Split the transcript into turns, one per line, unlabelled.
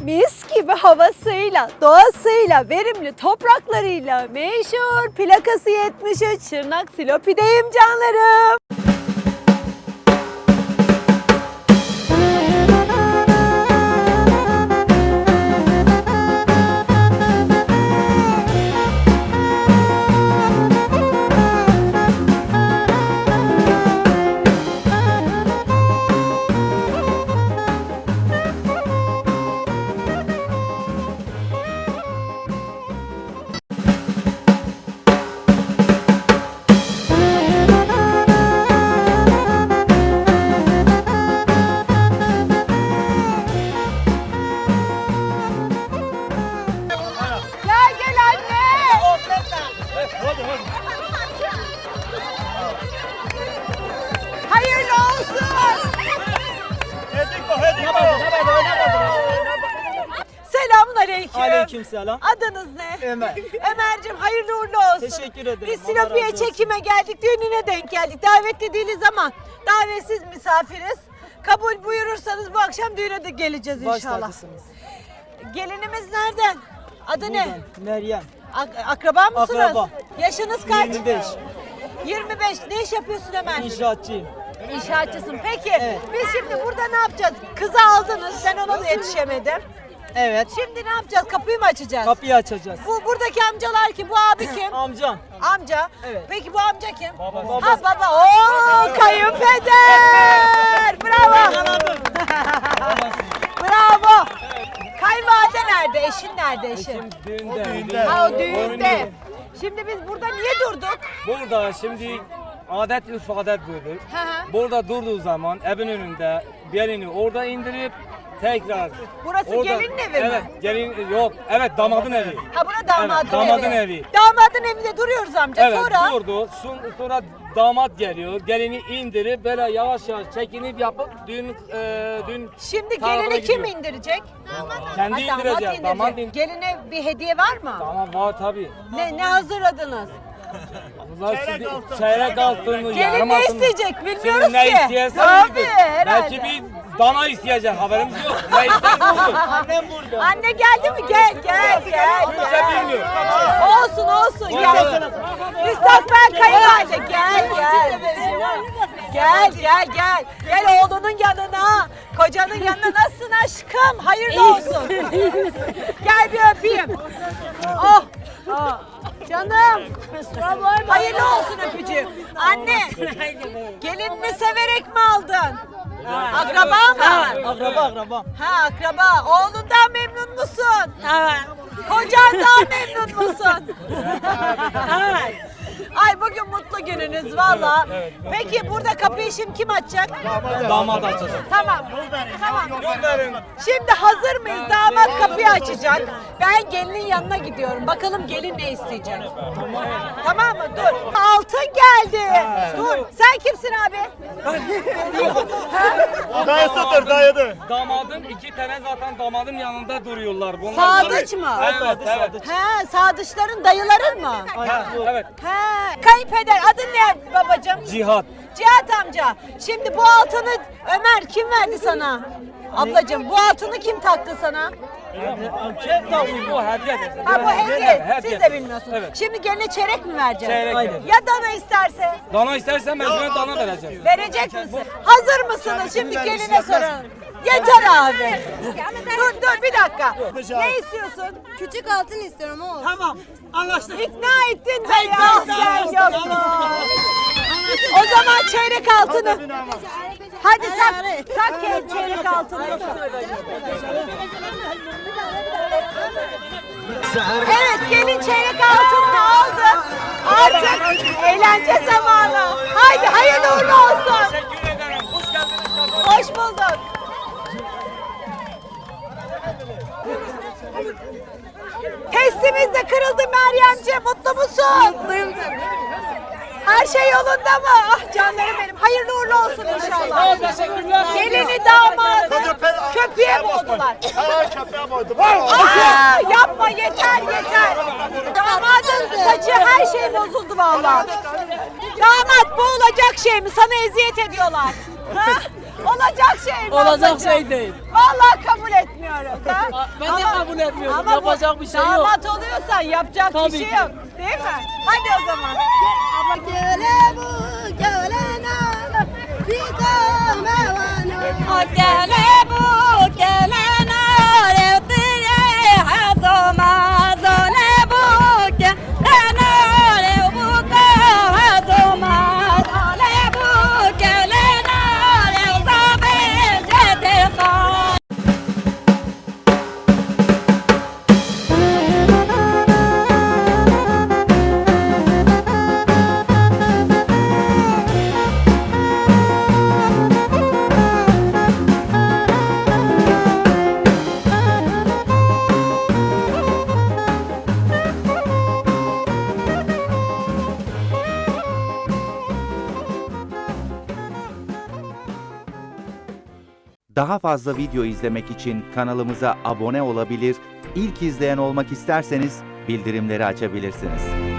mis gibi havasıyla, doğasıyla, verimli topraklarıyla meşhur plakası 73 Şırnak Silopi'deyim canlarım. Gel anne. Hayırlı olsun. Selamun aleyküm.
Aleykümselam.
Adınız ne?
Ömer.
Ömer'cim hayırlı uğurlu olsun.
Teşekkür ederim.
Biz
Allah
Silopi'ye
razı olsun.
çekime geldik, düğününe denk geldik. Davetli değiliz ama davetsiz misafiriz. Kabul buyurursanız bu akşam düğüne de geleceğiz
Baş
inşallah.
tacısınız.
Gelinimiz nereden? Adı ne?
Buradan, Meryem.
Akraba mısınız?
Akraba.
Yaşınız kaç?
25.
25. Ne iş yapıyorsun Ömer?
İnşaatçıyım.
İnşaatçısın. Peki
Evet.
biz şimdi burada ne yapacağız? Kızı aldınız. Ben ona da yetişemedim.
Evet.
Şimdi ne yapacağız? Kapıyı mı açacağız?
Kapıyı açacağız.
Buradaki amcalar kim? Bu abi kim?
Amcam.
Amca.
Evet.
Peki bu amca kim?
Babası.
Ha baba. Oo kayınpeder. Bravo. Bravo. Kayınvalide nerede? Eşin nerede eşin?
Düğünde.
Ha o düğünde. Şimdi biz burada niye durduk?
Burada şimdi adet ürf adet budur.
Hı hı.
Burada durduğu zaman evin önünde gelini orada indirip tekrar.
Burası gelinin evi mi?
Evet, gelin yok. Evet, damadın evi.
Ha bura damadın
Evet, damadın evi.
Damadın evinde duruyoruz amca.
Evet,
Sonra
durdu. Sonra damat geliyor. Gelini indirip böyle yavaş yavaş çekinip yapıp düğün
şimdi
tarafına
gelini kim
gidiyor.
indirecek?
Kendi
Ha, damat
indirecek. Damat
indirecek. Geline bir hediye var mı?
Tamam var tabii.
Ne hazırladınız?
Bunlar şimdi çeyrek altını,
Gelin
yarım
ne
altını.
isteyecek bilmiyoruz
Şimdi ne
ki.
istiyorsan
Tabii
iyidir.
herhalde.
Belki bir dana isteyecek, haberimiz yok. Ne istersen olur.
Annem burada.
Anne geldi mi? Gel.
Kimse bilmiyor.
Olsun gel. Müstakbel kayınvalide gel. Gel oğlunun yanına. Kocanın yanına nasılsın aşkım? Hayırlı olsun. Gel bir öpeyim. Oh. Canım. Hayırlı olsun öpücüğüm. Anne. Gelinini severek mi aldın? Akraba mı?
Akraba.
Ha akraba. Oğlundan memnun musun? Evet. Kocandan memnun musun? Evet. Ay bugün mutlu gününüz valla. Peki burada kapıyı şimdi kim açacak?
Damat açacak.
Tamam.
Gönderin.
Şimdi hazır mıyız? Damat kapıyı açacak. Ben gelinin yanına gidiyorum. Bakalım gelin ne isteyecek. Tamam mı? Dur. Altın geldi. Dur. Sen kimsin abi?
Dayısıdır, dayıdır.
Damadın iki tane zaten damadın yanında duruyorlar. Bunlar
Sadıç mı?
Evet.
He, sadıçların dayıların mı?
Evet.
He, kayınpeder adın ne babacığım?
Cihat.
Cihat amca. Şimdi bu altını Ömer kim verdi sana? Ablacığım bu altını kim taktı sana?
Bu hediye.
Ha bu hediye. Siz
Hediye.
de bilmiyorsunuz.
Evet.
Şimdi geline çeyrek mi vereceksin?
Çeyrek.
Aynen.
Ya dana isterse?
Dana istersen mecburen dana vereceğiz.
Verecek misin? Hazır mısınız? Şimdi geline soralım. Yeter abi. Dur bir dakika. Ne istiyorsun?
Küçük altın istiyorum o.
Tamam. Anlaştık.
İkna ettin be ya. Sen yok. O zaman çeyrek altını. Hadi tak çeyrek altını. Evet gelin çeyrek altını aldı. Artık eğlence zamanı. Haydi hayırlı uğurlu olsun.
Teşekkür ederim. Hoş geldiniz.
Hoş bulduk. Testimiz de kırıldı Meryemciğim. Mutlu musun?
Mutluyum tabii.
Her şey yolunda mı? Ah canlarım benim. Hayırlı uğurlu olsun inşallah.
Teşekkürler.
Gelini damadı köpeğe mi oldular?
Ha, köpeğe koydum.
Aa, yapma yeter. Damadın saçı her şey bozuldu vallahi. Damat bu olacak şey mi? Sana eziyet ediyorlar. Ha? Olacak şey mi?
Olacak
ablacığım?
şey değil.
Vallahi kabul etmiyoruz ha.
Ben de kabul etmiyorum.
Ama
Yapacak bir şey yok.
Damat oluyorsan yapacak
Tabii
bir şey
ki.
yok. Değil mi? Hadi o zaman.
Gele bu gele nana Bika mevano
Gele bu gele nare tire hazoma zone bu gele nare bu ka hazoma zone bu gele nare zabe jete ka.
Daha fazla video izlemek için kanalımıza abone olabilir, ilk izleyen olmak isterseniz bildirimleri açabilirsiniz.